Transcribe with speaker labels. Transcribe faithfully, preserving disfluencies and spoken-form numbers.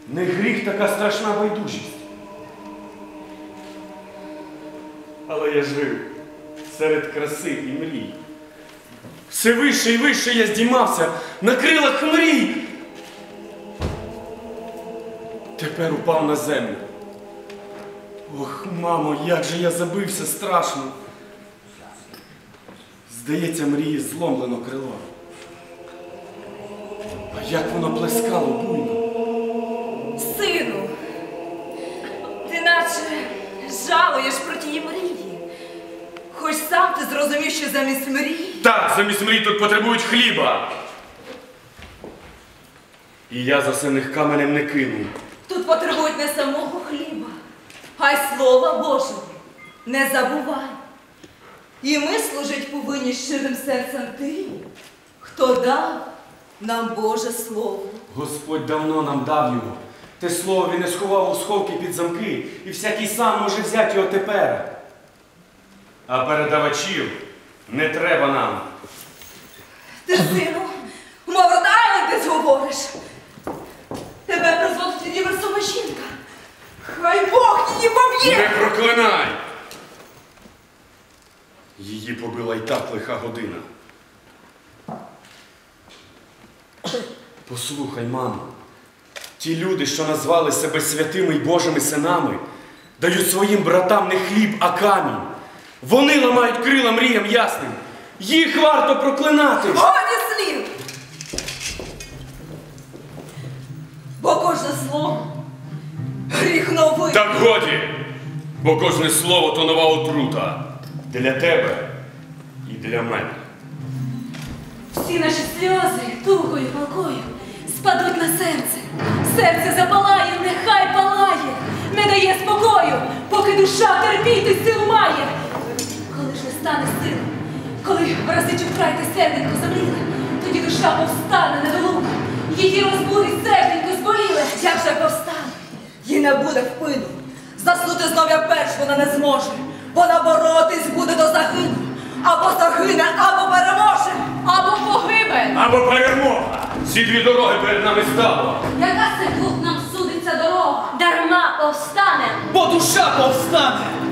Speaker 1: Не гріх така страшна байдужість. Але я жив серед краси і мрій. Все вище і вище я здіймався на крилах мрій. Тепер упав на землю. Ох, мамо, як же я забився страшно. Здається, мрії зломлено крило. А як воно плескало буйно.
Speaker 2: Сину, ти наче жалуєш про тії мрії. Хоч сам ти зрозумів, що замість мрії...
Speaker 1: Так, замість мрій тут потребують хліба. І я за це них каменем не кину.
Speaker 2: Тут потребують не самого хліба, а й Слова Божого. Не забувай. І ми служить повинні щирим серцем тим, хто дав нам Боже Слово.
Speaker 1: Господь давно нам дав його. Те слово він не сховав у сховки під замки, і всякий сам може взяти його тепер. А передавачів не треба нам.
Speaker 2: Ти, сину, мов Род-Айленд десь говориш. Тебе призводить універсова жінка. Хай Бог її поб'є!
Speaker 1: Не проклинай! Її побила й так лиха година. Послухай, мамо, ті люди, що назвали себе святими й Божими синами, дають своїм братам не хліб, а камінь. Вони ламають крила мріям ясним. Їх варто проклинати.
Speaker 2: Годі слів! Бо кожне слово гріх новий.
Speaker 1: Так годі, бо кожне слово то нова отрута. Для тебе і для мене.
Speaker 2: Всі наші сльози тугою палкою спадуть на серце. Серце запалає, нехай палає, не дає спокою, поки душа терпіти сил має. Коли ж не стане сил, коли разичу вкрай те серденько замліле, тоді душа повстане недолуга, її розбудить серденько зболіле. Як же повстане, їй не буде впину, заснути знов як перш вона не зможе, вона боротись буде до загину. Або загине, або переможе, або погибель,
Speaker 1: або перемога. Ці дві дороги перед нами стало.
Speaker 2: Яка це тут нам судиться дорога?
Speaker 3: Дарма повстане,
Speaker 4: бо душа повстане.